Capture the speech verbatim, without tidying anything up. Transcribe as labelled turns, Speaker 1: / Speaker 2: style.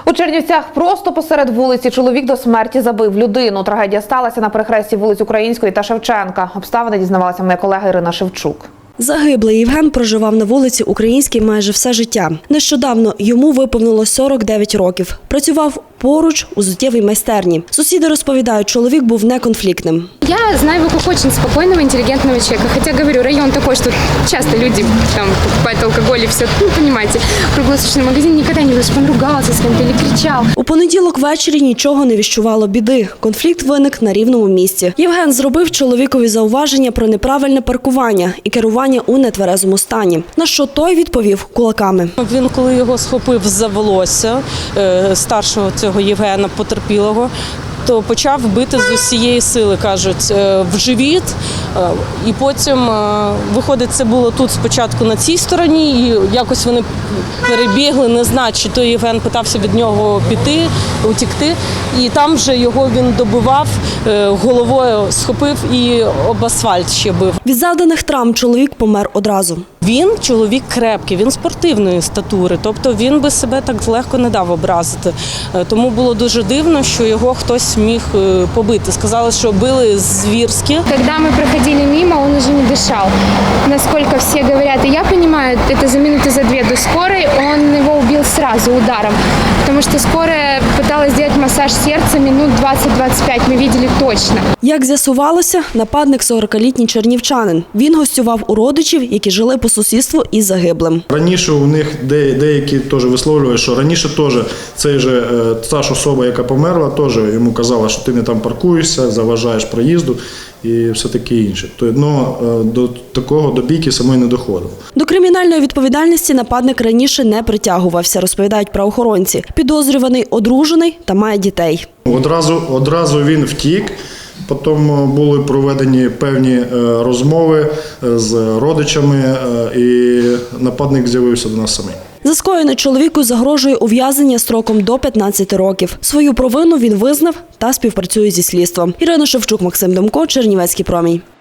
Speaker 1: У Чернівцях просто посеред вулиці чоловік до смерті забив людину. Трагедія сталася на перехресті вулиць Української та Шевченка. Обставини дізнавалася моя колега Ірина Шевчук.
Speaker 2: Загиблий Євген проживав на вулиці Українській майже все життя. Нещодавно йому виповнилось сорок дев'ять років. Працював поруч у взуттєвій майстерні. Сусіди розповідають, чоловік був неконфліктним.
Speaker 3: Я знаю его как очень спокойного, интеллигентного человека. Хотя, говорю, район такой, что часто люди там покупают алкоголь и все. Ну, понимаете, круглосуточный магазин никогда не видел, чтобы он ругался с кем-то или кричал.
Speaker 2: У понеділок ввечері нічого не віщувало біди. Конфлікт виник на рівному місці. Євген зробив чоловікові зауваження про неправильне паркування і керування у нетверезому стані. На що той відповів кулаками.
Speaker 4: Він, коли його схопив за волосся, старшого цього Євгена, потерпілого, то почав бити з усієї сили, кажуть, в живіт. І потім, виходить, це було тут спочатку на цій стороні, і якось вони перебігли, не знаю, чи то Євген питався від нього піти, утікти. І там вже його він добивав, головою схопив і об асфальт ще бив.
Speaker 2: Від завданих травм чоловік помер одразу.
Speaker 4: Він чоловік крепкий, він спортивної статури, тобто він би себе так легко не дав образити. Тому було дуже дивно, що його хтось міг побити. Сказали, що били звірськи.
Speaker 3: Когда мы проходили мимо, он уже не дышал. Насколько все говорят, и я понимаю, это за минуты за две до скорой, он его убил сразу ударом. Потому что скорая пыталась сделать массаж сердца минут двадцять-двадцять п'ять, мы видели точно.
Speaker 2: Як з'ясувалося, нападник сорокалітній чернівчанин. Він гостював у родичів, які жили по сусідству із загиблим.
Speaker 5: Раніше у них деякі теж висловлювали, що раніше теж цей же, та ж особа, яка померла, теж йому казала, що ти не там паркуєшся, заважаєш проїзду і все таке інше. Но до такого, до бійки самої не доходило.
Speaker 2: До кримінальної відповідальності нападник раніше не притягувався, розповідають правоохоронці. Підозрюваний одружений та має дітей.
Speaker 5: Одразу, одразу він втік. Потім були проведені певні розмови з родичами, і нападник з'явився до нас самий.
Speaker 2: За скоєне чоловіку загрожує ув'язнення строком до п'ятнадцяти років. Свою провину він визнав та співпрацює зі слідством. Ірина Шевчук, Максим Демко, Чернівецький промінь.